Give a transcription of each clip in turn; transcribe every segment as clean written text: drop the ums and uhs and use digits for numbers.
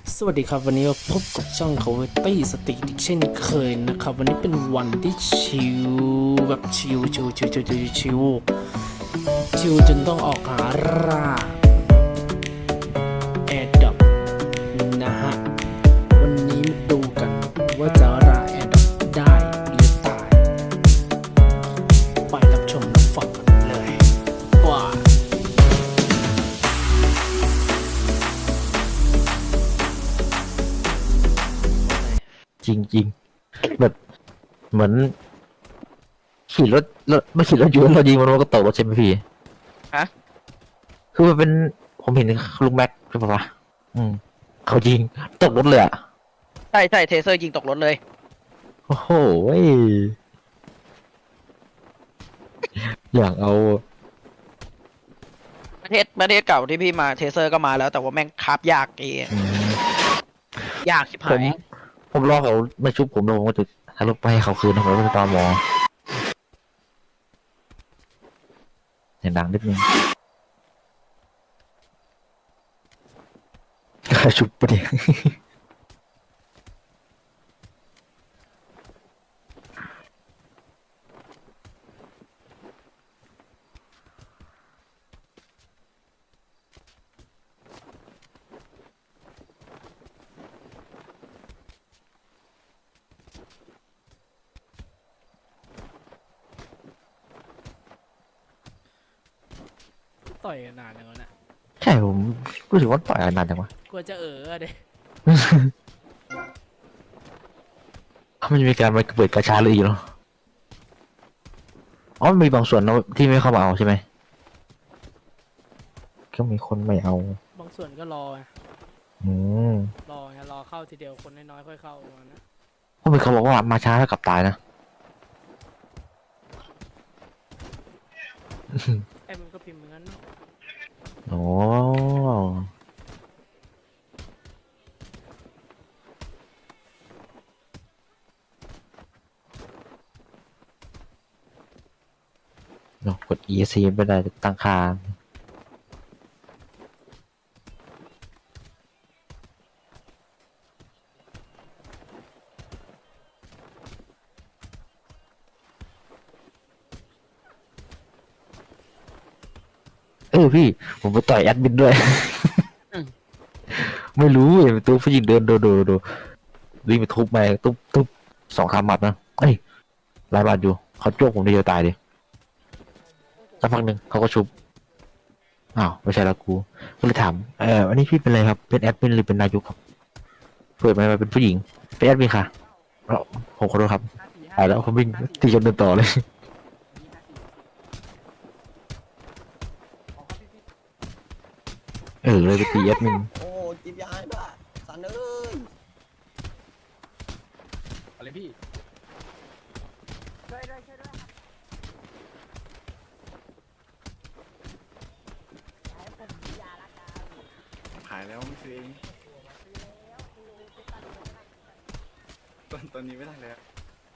สวัสดีครับวันนี้มาพบกับช่องเขาตี้สติอีกเช่นเคยนะครับวันนี้เป็นวันที่ชิลแบบชิลจนต้องออกหาร่าแอร์ดรอปนะฮะวันนี้มาดูกันว่าจะร่าแอร์ดรอปได้หรือตายไปรับชมรับฟังกันเลยว้าจริงๆแบบเหมือนขี่รถไม่ขี่รถอยู่แล้วเรายิงมันก็ตกรถใช่ไหมพี่ฮะคือมันเป็นผมเห็นลุงแม็กใช่ปะวะเขายิงตกรถเลยอ่ะใช่เทเซอร์ยิงตกรถเลยโอ้โหอยากเอาประเทศเก่าที่พี่มาเทเซอร์ก็มาแล้วแต่ว่าแม่งคาบยากอืมยากชิบผหาม ยผมรอเขาไม่ชุบผมแล้วผมก็จะหารถไปให้เขาคืนนะผมก็จะตามหมอเสียงดังนิดนึงชุบปะเนี่ยต่อยกันนานจังวะเนี่ยใช่ผมรู้สึกว่าต่อยนานจังวะกลัวจะเด้มันจะมีการมาเปิดกระชาเลยอีกเหรออ๋อมันมีบางส่วนนะที่ไม่เข้ามาเอาใช่ไหมก็มีคนไม่เอาบางส่วนก็รอไงอืมรอเข้าทีเดียวคนน้อยๆค่อยเข้าประมาณนั้นเพราะมีเขาบอกว่ามาช้าแล้วกลับตายนะไอ้มันก็พิมพ์เหมือนกันเนอะโอ้เนอะกด ESC ไม่ได้ตั้งค่าพี่ผมไปต่อยแอดมินด้วย ไม่รู้เห็นตัวผู้หญิงเดินดูวิ่งไปทุบไปทุบ2 คำหมัดนะเอ้ยหลายบาทอยู่เขาโจกผมได้เดียวตายดิสักพักหนึ่งเขาก็ชุบอ้าวไม่ใช่ละกูก็เลยถามอันนี้พี่เป็นอะไรครับเป็นแอดมินหรือเป็นนายกครับเปิดมาเป็นผู้หญิงเป็นแอดมินค่ะแล้วผมขอโทษครับตายแล้วผมวิ่งตีจนเดินต่อเลยเลยไปตีแอดมินโอ้จิบยาให้ด้วยสันเอ้ยอะไรพี่ขายแล้วไม่ซื้อเองตอนนี้ไม่ได้แล้ว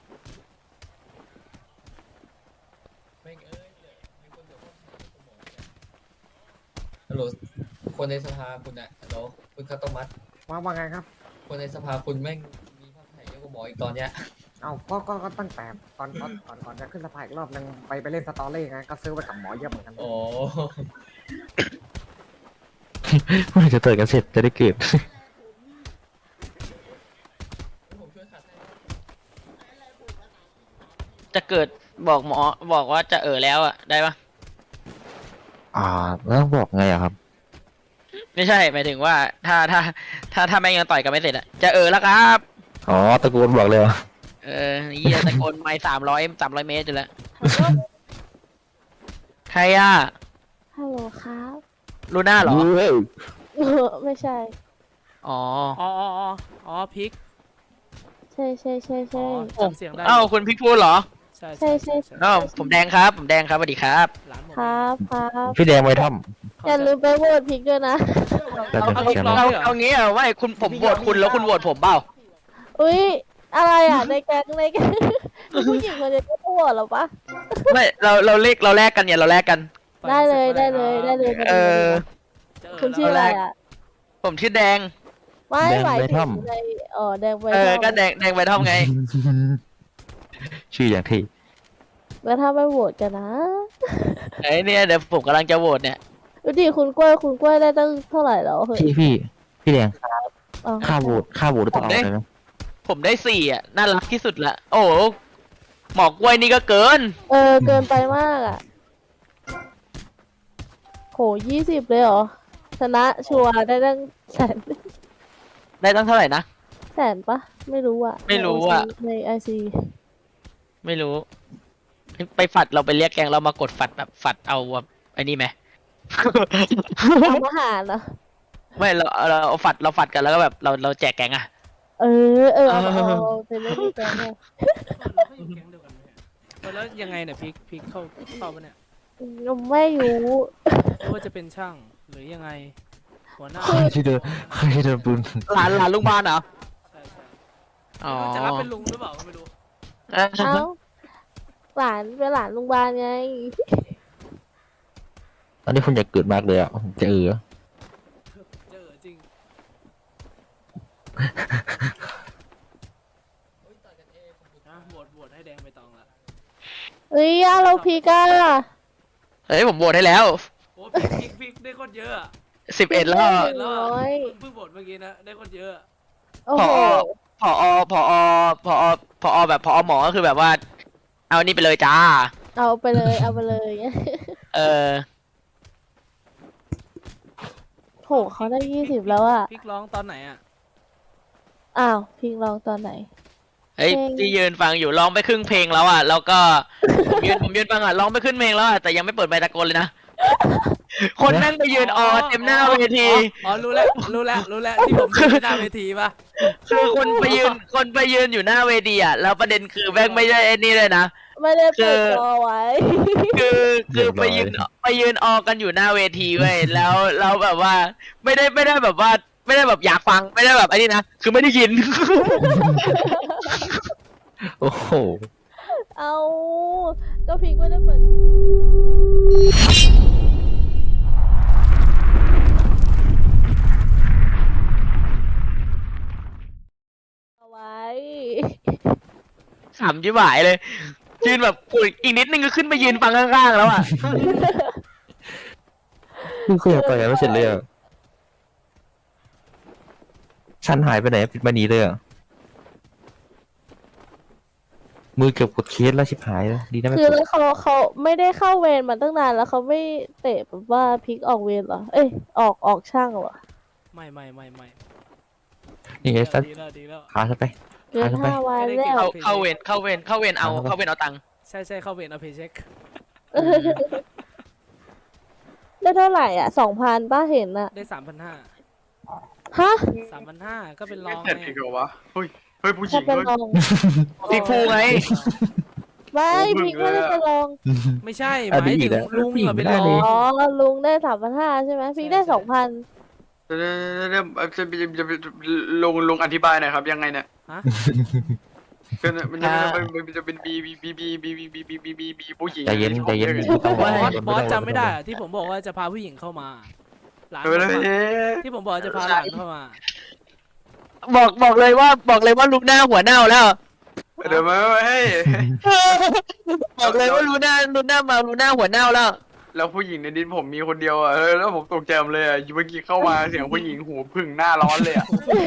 ฮัลโหลคนในสภาคุณอะฮัลโหลคุณข้าวต้มมัดว่าไงครับคนในสภาคุณแม่งมีภาพถ่ายเยอะกว่าหมออีกตอนเนี้ยเอาก็ตั้งแต่ก่อนจะขึ้นสะพายอีกรอบนึงไปเล่นสตอรี่ไงก็ซื้อไปกับหมอเยอะเหมือนกันโอ้เมื่อไหร่จะเติดกันเสร็จจะได้เกิดผมช่วยขัดให้จะเกิดบอกหมอบอกว่าจะแล้วอ่ะได้ปะแล้วต้องบอกไงอะครับไม่ใช่หมายถึงว่าถ้าแม่งยังต่อยกันไม่เสร็จอ่ะจะแล้วครับอ๋อตะโกนบอกเลยเหรอเหี้ยตะโกนไม่300 เมตรอยู่แล้วใครอ่ะฮัลโหลครับลูน่าเหรอเฮ้ยไม่ใช่อ๋ออ๋อพริกใช่จำเสียงได้เอ้าคุณพี่พูดเหรอใช่อ้าวผมแดงครับสวัสดีครับร้านผมครับพี่แดงไว้ถ้อย่าลืมไปโหวตพิกด้วยนะำแต่เอาเสียงเอาเอางี้อ่ะว่าคุณผมโหวตคุณแล้วคุณโหวตผมเปล่าอุ๊ย อะไรอ่ะ ในแก๊งผู้หญิงคนนี้ก็โหวตเหรอปะไม่เราแลกกันเนี่ยเราแลกกันได้เลยเออจะคุณชื่ออะไรอ่ะผมชื่อแดงไม่แดงหมายใบถึท่อมงในแดงใบเอท่ออมก็แดงใบท่อมไงชื่ออย่างที่แล้วถ้าไม่โหวตกันนะไอ้เนี่ยเดี๋ยวผมกำลังจะโหวตเนี่ยดูดิคุณกล้วยได้ตั้งเท่าไหร่แล้วเฮ้ยพี่แดงอ๋อค่าโหวตต้องเอาเลยนะผมได้4อ่ะน่ารักที่สุดละโอ้โหหมอกกล้วยนี่ก็เกินเกินไปมากอ่ะโห20เลยเหรอชนะชัวร์ได้ตั้งแสนได้ตั้งเท่าไหร่นะแสนปะไม่รู้อ่ะไม่รู้อะในไอซีไม่รู้ ไปฝัดเราไปเรียกแกงเรามากดฝัดแบบฝัดเอาแบบไอ้นี่ไหมทำอาหารเหรอไม่เราเอาฝัดกันแล้วก็แบบเราแจกแกงอ่ะเอาเป็นเรื่องดีจังเลยแล้วยังไงเนี่ยพริกเข้าปะเนี่ยไม่รู้หรือว่าจะเป็นช่างหรือยังไง หัวหน้าใครที่เดินปืนหลานลุงบ้านเหรอใช่อ๋อจะรับเป็นลุงหรือเปล่าก็ไม่รู้เอ้าหลานเป็นหลานลุงบาลไงตอนนี้คุณอยากเกิดมากเลยอ่ะจะเจอจริง นะโหวตให้แดงไปตองละเฮ้ยเราพีก้าเฮ้ยผมโหวตให้แล้วโอ้พริกได้คนเยอะอะ 11แล้วแล้วน้อยเพิ่งโหวตเมื่อกี้นะได้คนเยอะโอ้โหผอแบบผอหมอก็คือแบบว่า เอานี่ไปเลยจ้าเอาไปเลยเออโหเขาได้20แล้วอ่ะพริกร้องตอนไหนอ่ะอ้าวพิงลองตอนไหนเฮ้ยเพลงที่ยืนฟังอยู่ร้องไปครึ่งเพลงแล้วอ่ะแล้วก็ ผมยืนฟังอ่ะร้องไปครึ่งเพลงแล้วอ่ะแต่ยังไม่เปิดไมค์ตะโกนเลยนะ คนนั่งไปยืนเต็มหน้าเวทีอ๋อรู้แล้วที่ผมยืนหน้าเวทีปะคือคนไปยืนอยู่หน้าเวทีอ่ะแล้วประเด็นคือแม่งไม่ได้ไอ้นี่เลยนะไม่ได้เปิดจอไว้คือไปยืนออกันอยู่หน้าเวทีเว้ยแล้วเราแบบว่าไม่ได้แบบว่าไม่ได้แบบอยากฟังไม่ได้แบบไอ้นี่นะคือไม่ได้ยินโอ้โหเอาก็พิงไม่ได้เปิดเอาไว้ขำชิบหายเลยยืนแบบอุ๊ยอีกนิดนึงก็ขึ้นไปยืนฟังข้างๆแล้วอ่ะคืออยากต่อยกันไม่เสร็จเลยอ่ะฉันหายไปไหนปิดมานีเลยอ่ะมือเกือบกดเคสแล้วชิบหายแล้วดีนะไม่คืกอดแล้วเขาไม่ได้เข้าเวรมาตั้งนานแล้วเขาไม่เตะแบบว่าพลิกออกเวรเหรอ เอ้ยออกช่างเหรอไม่นี่ไงสักดีแล้วขาฉันไปเกิน 5 วันแล้วเข้าเวรเอาตังค์ใช่เข้าเวรเอาเพย์เช็คได้เท่าไหร่อ่ะ 2,000ป้าเห็นอ่ะได้ฮะ 3,500ก็เป็นรองเผ็ดไงอีกเหรอวะเฮ้ยผู้หญิถ้าง เป็นด้วยรองพี่ภูไงไม่พลิกไม่ได้เป็นรองไม่ใช่หมายถึงลุงอะเป็นรออ๋งอลุงได้3,500ใช่ไหมพลิกได้ 2,000 ลุงอธิบายหน่อยครับยังไงเนี่ยฮะมันจะเป็นบีผู้หญิงใจเย็นบอสจำไม่ได้อะที่ผมบอกว่าจะพาผู้หญิงเข้ามาหลานเออเลยที่ผมบอกว่าจะพาหลานเข้ามาบอกเลยว่าลุงหน้าหัวเน่าแล้วเดี๋ยวมาให้บอกเลยว่าลุงหน้าหัวเน่าแล้วแล้วผู้หญิงในดินผมมีคนเดียวอ่ะแล้วผมตกใจเลยอ่ะเมื่อกี้เข้ามาเสียงผู้หญิงหูพึ่งหน้าร้อนเลยอ่ะ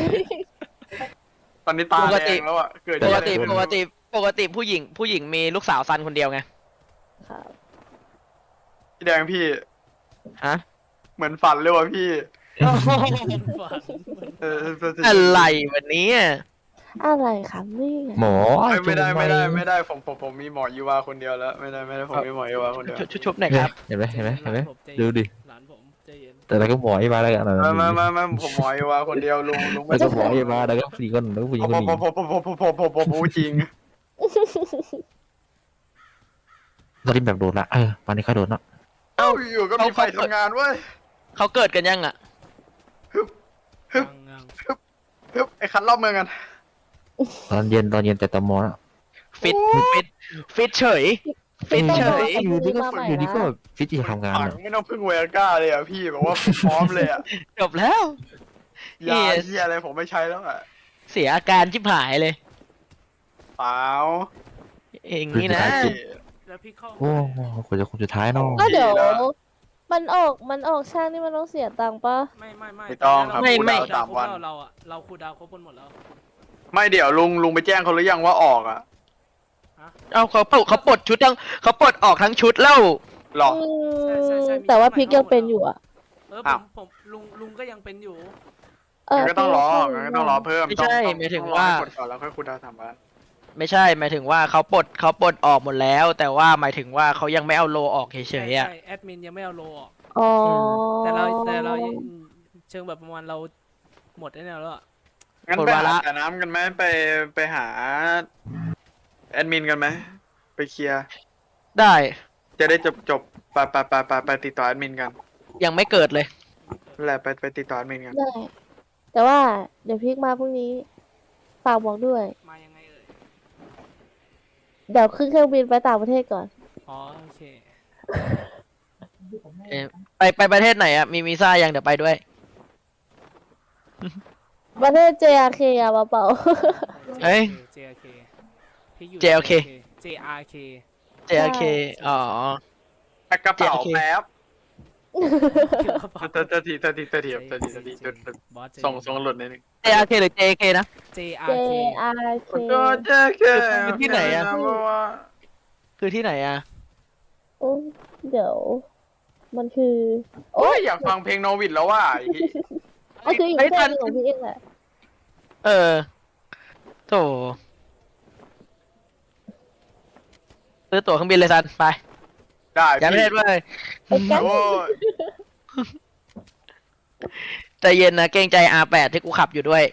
ตอนนี้ตาแดงแล้วอ่ะเกิดปกติผู้หญิงมีลูกสาวซันคนเดียวไงครับพี่แดงพี่ฮะเหมือนฝันเลยว่ะพี่อะไรวันนี้อะไรครับนี่หมอไม่ได้ผมมีหมอยูวาคนเดียวแล้วไม่ได้ผมมีหมอยูวาคนเดียวชุบหน่อยครับเห็นไหมดูดิหลานผมใจเย็นแต่เราก็หมอให้มาแล้วกันมาผมหมอยูวาคนเดียวลุงแล้วก็หมอให้มาแล้วก็สี่คนแล้วก็ผู้หญิงคนนี้ผมจริงตอนนี้แบบโดนละตอนนี้เขาโดนละเอ้าอยู่ก็มีไฟทำงานเว้ยเขาเกิดกันยังอ่ะไอ้คันรอบเมืองกันตอนเย็นแต่ตอมอละฟิตเฉยอยู่ดีก็แบบฟิตที่จะทำงานไม่ต้องพึ่งเวก้าเลยอ่ะพี่แบบว่าพร้อมเลยอ่ะจบแล้วยาเหี้ยอะไรผมไม่ใช้แล้วอ่ะเสียอาการชิบหายเลยเปล่าเองนี่นะแล้วพี่เข้าโอ้โหคนจะคนสุดท้ายเนาะก็เดี๋ยวมันออกช่างนี่มันต้องเสียตังค์ปะไม่ไม่ต้องครับไม่คูลไม่ดาวน์3 วันเราคูลดาวน์ครบกันหมดแล้วไม่เดี๋ยวลุงไปแจ้งเขาหรือยังว่าออกอ่ะเอาเขาปลดชุดยังเขาปลดออกทั้งชุดแล้วหรออืใช่มแต่ว่าพริกยังเป็นอยู่อะอ้าวผมลุงก็ยังเป็นอยู่งั้นก็ต้องรอพงั้นก็ต้องรอเพิ่มไม่ใช่ต้องหมายถึงต้องรอว่าให้กดก่อนแล้วค่อยคูลดาวน์3 วันไม่ใช่หมายถึงว่าเขาปลดออกหมดแล้ว แต่ว่าหมายถึงว่าเขายังไม่เอาโลออกเฉยๆอ่ะใช่แอดมินยังไม่เอาโลออกอ๋อแต่เรายังเชิงแบบประมาณเราหมดได้แล้วอะงั้นหมดไปวาหาระแต่น้ำกันไหมไปหาแอดมินกันไหมไปเคลียร์ได้จะได้จบไปติดต่อแอดมินกันยังไม่เกิดเลยนั่นแหละไปติดต่อแอดมินกันได้ แต่ว่าเดี๋ยวพริกมาพรุ่งนี้ฝากบอกด้วยมายังไงเอ่ยเดี๋ยวขึ้นเครื่องบินไปต่างประเทศก่อนอ๋อโอเคไปประเทศไหนอ่ะมีวีซ่ายังเดี๋ยวไปด้วยประเทศ JRK อะมาเปล่าเอ้ย JRK พี่อยู่ JRK JRK JRK อ๋อแพ็คกระเป๋า JRK แป๊บเเตอร์ทีจุดบอสส่งหลุดนิดนึง JRK หรือ JK นะ JRK JRK ก็เจ๊แค่คือที่ไหนอะ คือที่ไหนอ่ะโอ้เดี๋ยว มันคือโอ้ยอยากฟังเพลงโนวิดแล้วว่ะมันคืออีกเฮ้ปยระเททัศนหนึ่งของพี่เองแหละเออโถซื้อตั๋วเครื่องบินเลยซันไปได้อย่าประเทศเว้ยไอ้กันโอ้ยใจเย็นนะเกรงใจ R8 ที่กูขับอยู่ด้วย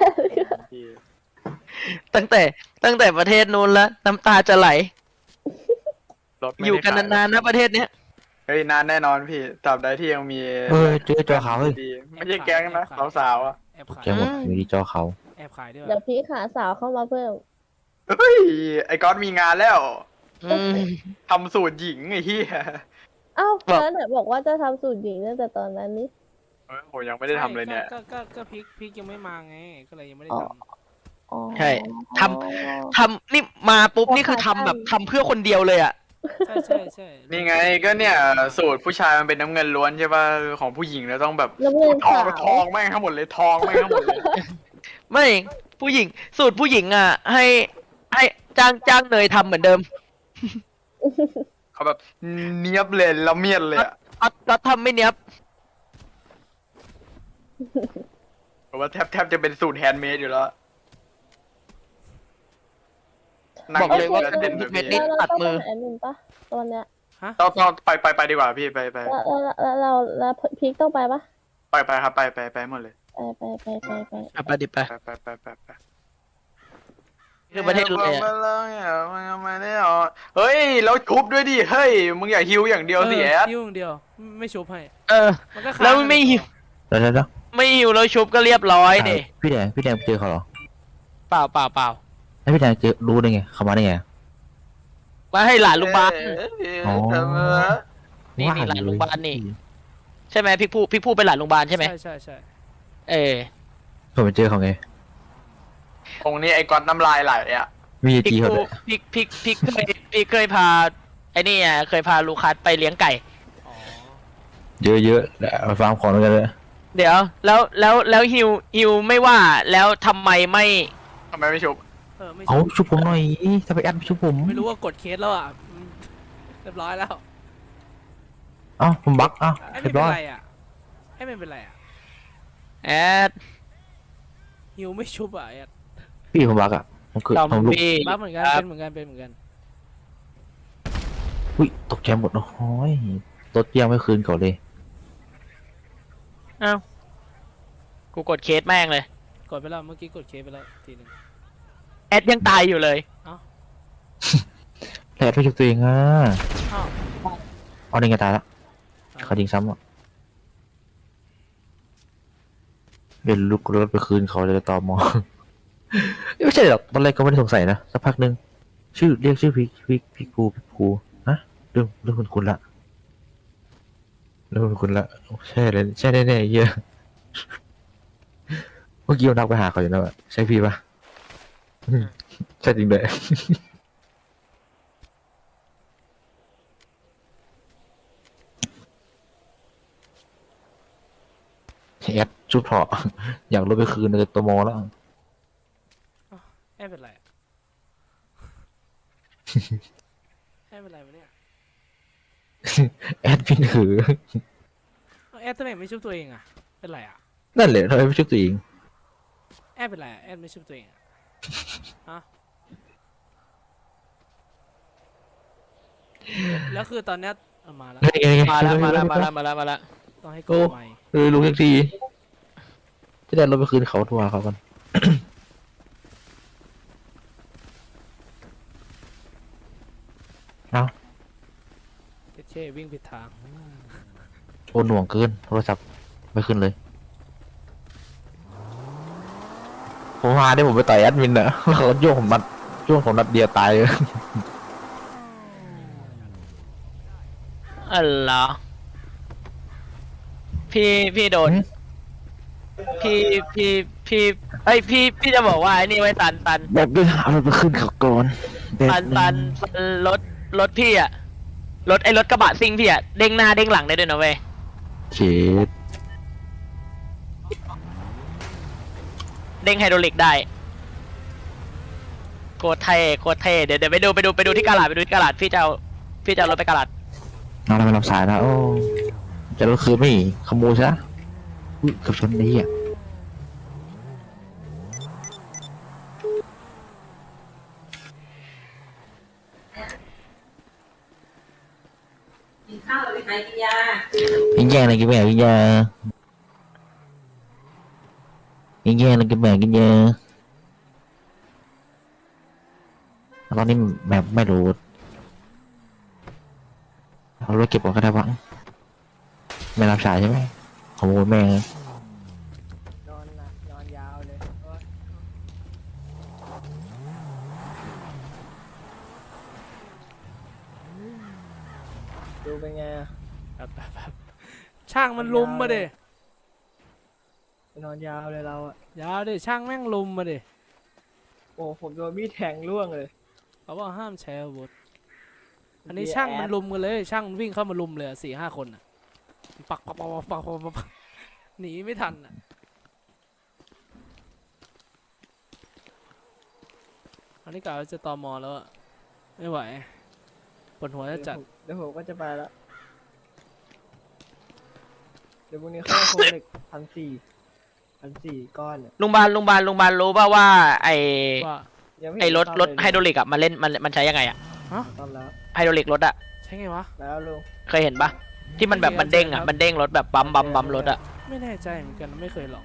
ตั้งแต่ประเทศนู้นแล้วน้ำตาจะไหลรถไม่อยู่ได้กันขายนานๆนะประเทศเนี้ยเฮ้ยนานแน่นอนพี่ตราบใดที่ยังมีเจอจอขาวเฮ้ยดีไม่ใช่แก๊งนะสาวๆอ่ะแอบขายแกหมดอยู่ที่จอเขาแอบขายด้วยเดี๋ยวพี่หาสาวเข้ามาเพิ่มเฮ้ยไอ้ก๊อตมีงานแล้วอืมทำสูตรหญิงไอ้เหี้ยเอ้าบอกแล้วไหนบอกว่าจะทำสูตรหญิงตั้งแต่ตอนนั้นนี่เฮ้ยผมยังไม่ได้ทำเลยเนี่ยก็พริกยังไม่มาไง ก็เลยยังไม่ได้อ๋อทำอ๋อใช่ททำนี่มาปุ๊บนี่คือทำแบบทำเพื่อคนเดียวเลยอ่ะใช่นี่ไงก็เนี่ยสูตรผู้ชายมันเป็นน้ำเงินล้วนใช่ป่ะของผู้หญิงแล้วต้องแบบน้ำเงินทองขาวทองแม่งทั้งหมดเลยทองแม่งทั้งหมดเลยไม่ผู้หญิงสูตรผู้หญิงอ่ะ ให้จ้างเนยทำเหมือนเดิมเขาแบบเนียบเลยละเมียดเลยอะก็ทำไม่เนี้ยบเพราะว่าแทบจะเป็นสูตรแฮนด์เมดอยู่แล้วนั่งบอกเลยว่าแล้วเต้นแบบเม็ดนี้นี่แล้วเราตัดต้องมือเป็นแอดมินปะตอนเนี้ยต้องไปดีกว่าพี่ไปแล้วพีคต้องไปปะไปครับไปหมดเลยไปไปดิไปไปคือประเทศเลยอะเฮ้ยแล้วชุบด้วยดิเฮ้ยมึงอย่าฮิวอย่างเดียวสิแอดยุ่งเดียว ไม่ชุบให้เออมันก็แล้วไม่หิวแล้วไม่หิวแล้วชุบก็เรียบร้อยเดพี่แดงเจอเขาเหรอเปล่าแล้วพี่แดงเจอรู้ได้ไงเขามาได้ไงมาให้หลานลุงบาลอ๋อนี่หลานลุงบาลนี่ ใช่ไหมพี่ผู้เป็นหลานลุงบาลใช่ไหมใช่เออผมไปเจอเขาไงตรงนี้ไอ้ก๊อตน้ำลายไหลอ่ะมีพี่จีเขาผู้ด้วยพี่เคยพาไอ้นี่อ่ะเคยพาลูคัสไปเลี้ยงไก่อ๋อเยอะๆมาฟาร์มของด้วยกันเลยเดี๋ยวแล้วฮิวไม่ว่าแล้วทำไมไม่ทำไมไม่ชุบไม่เอาชุบชุบผมหน่อยถ้าไปแอดชุบผมไม่รู้ว่ากดเคสแล้วอ่ะเรียบร้อยแล้วเอ้าผมบักเอ้าไอ้เรีไม่ยบเป็นร้อยไรอ่ะไอ้ไม่เป็นไรอ่ะแอดฮิวไม่ชุบอ่ะแอดพี่ผมบักอ่ะผมคือซอมผมลุกบี้บ้าเหมือนกันครัเป็บนเหมือนกันอุ้ยตกใจหมดโอ้ยรถยังไม่คืนเขาเลยเอ้ากูกดเคสแม่งเลยกดไปแล้วเมื่อกี้กดเคสไปแล้วทีนึงแอดยังตายอยู่เลยแผลไปชุบตัวเองอ่ะอ้าวเอาได้ไงตายละเขายิงซ้ำอ่ะเป็นลูกรถไปคืนเขาเลยตอมอ ไม่ใช่หรอกตอนแรกก็ไม่ได้สงสัยนะสักพักหนึ่งเรียกชื่อพี่ภูฮะเรื่องคุณละเรื่องคุณละใช่เลยใช่แน่ๆเยอะเมื่อกี้เรานักไปหาเขาอยู่นะใช่พี่ปะใช่จริงเลยแอดชุดเถาะอยากรถไปคืนเลยตัวโมแล้วแอดเป็นไรอะ แอดเป็นไรวะเนี่ยแอดพี่ถือแอดทำไมไม่ชุบตัวเองอะเป็นไรอะนั่นแหละทำไมไม่ชุดตัวเองแอดเป็นไรอะแอดไม่ชุบตัวเองอะฮะแล้วคือตอนเนี้ยเอามาแล้วมาแล้วมาแล้วมาแล้วมาแล้วมาแล้วต้องให้กดใหม่ลุงทักทีจะได้รถไปคืนเขาทัวร์เขากัน เอาเช่วิ่งผิดทางโอนหน่วงเกินโทรศัพท์ไม่ขึ้นเลยผมมาได้ผมไปต่อยแอดมินอะแล้วเขาโยกผมมัดโยกผมนัดเดียวตายเลยอ๋อเหรอพี่โดนเอ้ยพี่จะบอกว่าไอ้นี่ไว้ตันแบบด้วยหารถไปขึ้นเขาก่อนแบบตันรถพี่อะรถกระบะซิ่งพี่อะเด้งหน้าเด้งหลังได้ด้วยนะเว้ยเจ็ดเด้งไฮดรอลิกได้โคตรเท่เดี๋ยวไปดูที่กาลาดพี่จะเอารถไปกาลาดเอาอะไรมารับสายนะโอ้จะรถคืนไม่ขโมยซะอุ๊ยกับชนนี้อ่ะกินข้าวหรือไหนกินยายิงแย่เลยกินแม่กินยายิงแย่เลยกินแม่กินยาตอนนี้แบบไม่รู้เอารถเก็บก่อนก็ได้บ้างไม่รับสายใช่ไหมขโมยแม่งนอนยาวเลยดูเป็นไงแบบช่างมันลุมมาดินอนยาวเลยเราอ่ะยาวดิช่างแม่งลุมมาดิโอ้ผมโดนมีดแทงร่วงเลยเขาบอกห้ามใช้อาวุธอันนี้ช่างมันลุมกันเลย ช่างมันวิ่งเข้ามาลุมเลย4-5 คนอ่ะปักหนีไม่ทันอ่ะอันนี้กะว่าจะตมแล้วอะไม่ไหวปวดหัวจะจัดเดี๋ยวผมก็จะไปแล้วเดี๋ยวพรุ่งนี้เข้าโคเล็ก1,400ก้อนเนี่ยลุงบาลรู้ป่าว่าไอ้ว่ายังไม่ไอ้รถซ่อมเลยไฮดรอลิกอะมันใช้ยังไงอะซ่อมแล้วไฮดรอลิกรถอะใช่ไงวะแล้วลุงเคยเห็นปะที่มันแบบมันเด้งอะมันเด้งรถแบบบัมรถอะไม่แน่ใจเหมือนกันไม่เคยลอง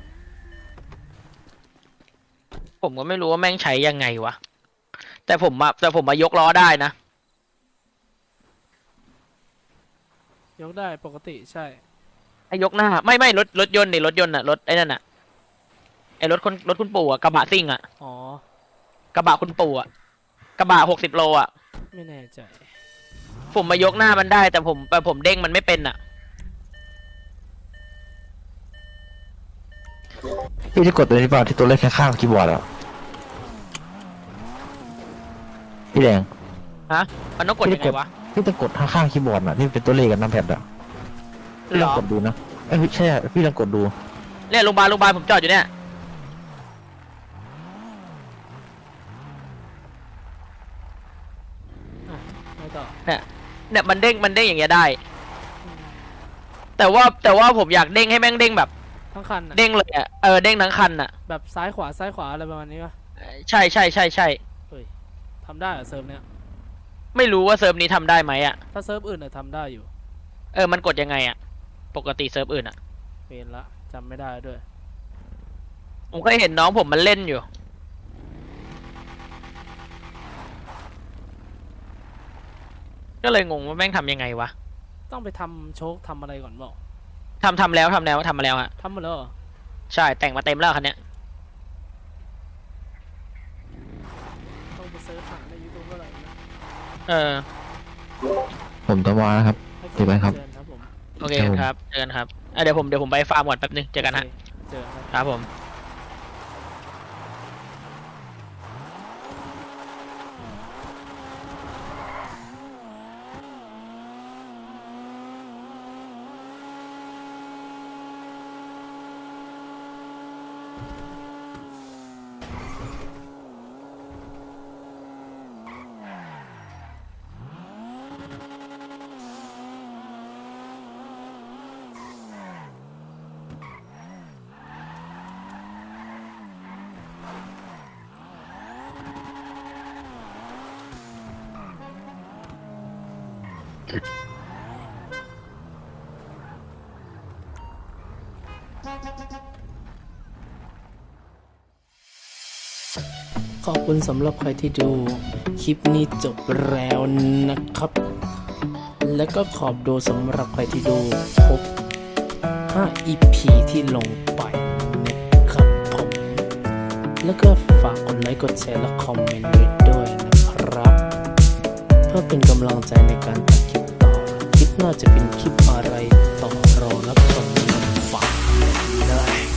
ผมก็ไม่รู้ว่าแม่งใช้ยังไงวะแต่ผมมายกล้อได้นะยกได้ปกติใช่ไอ้ยกหน้าไม่รถยนต์นี่รถยนต์อะรถไอ้นั่นอะไอ้รถคุณปู่อะกระบะซิ่งอะอ๋อกระบะคุณปู่อะกระบะ60 โลอะไม่แน่ใจผมมายกหน้ามันได้แต่ผมเด้งมันไม่เป็นอะพี่จะกดตัวนี้เปล่าที่ตัวเลขข้างๆคีย์บอร์ดอ่ะพี่แดงฮะมันต้องกดยังไงวะพี่จะกดข้างๆคีย์บอร์ดอ่ะที่เป็นตัวเลขกับน้ำแพดอ่ะพี่เหลรองอกดดูนะเอ้ยใช่อะพี่ลองกดดูเนี่ยโรงพยาบาลผมจอดอยู่เนี่ยไม่ต่อเนี่ยมันเด้งอย่างเงี้ยได้ แต่ว่าผมอยากเด้งให้แม่งเด้งแบบทั้งคันอะเด้งเลยอะเด้งทั้งคันอะแบบซ้ายขวาอะไรประมาณนี้ปะใช่ทำได้เหรอเซิร์ฟเนี้ยไม่รู้ว่าเซิร์ฟนี้ทำได้ไหมอะถ้าเซิร์ฟอื่นอะทำได้อยู่มันกดยังไงอะปกติเซิร์ฟอื่นอะเป็นละจำไม่ได้ด้วยผมก็เห็นน้องผมมันเล่นอยู่ ก็เลยงงว่าแม่งทำยังไงวะต้องไปทำโชคทำอะไรก่อนบอกทำแล้วทำมาแล้วฮะทำหมดแล้วเหรอใช่แต่งมาเต็มแล้วคันเนี้ยต้องไปเซิร์ชหาในยูทูบอะไรนะผมตมนะครับให้เจอกันครับเชิญครับผมโอเคครับเจอกันครับเดี๋ยวผมไปฟาร์มก่อนแป๊บนึงเจอกันฮะโอเคเจอกันครับครับผมขอบคุณสำหรับใครที่ดูคลิปนี้จบแล้วนะครับ แล้วก็ขอบดูสำหรับใครที่ดูครบ5 EP ที่ลงไปนะครับผม แล้วก็ฝากกดไลค์กดแชร์และคอมเมนต์ไว้ด้วยนะครับ เพื่อเป็นกำลังใจในการตัดคลิปต่อ คลิปหน้าจะเป็นคลิปอะไรต่อรอรับชมฝากเลย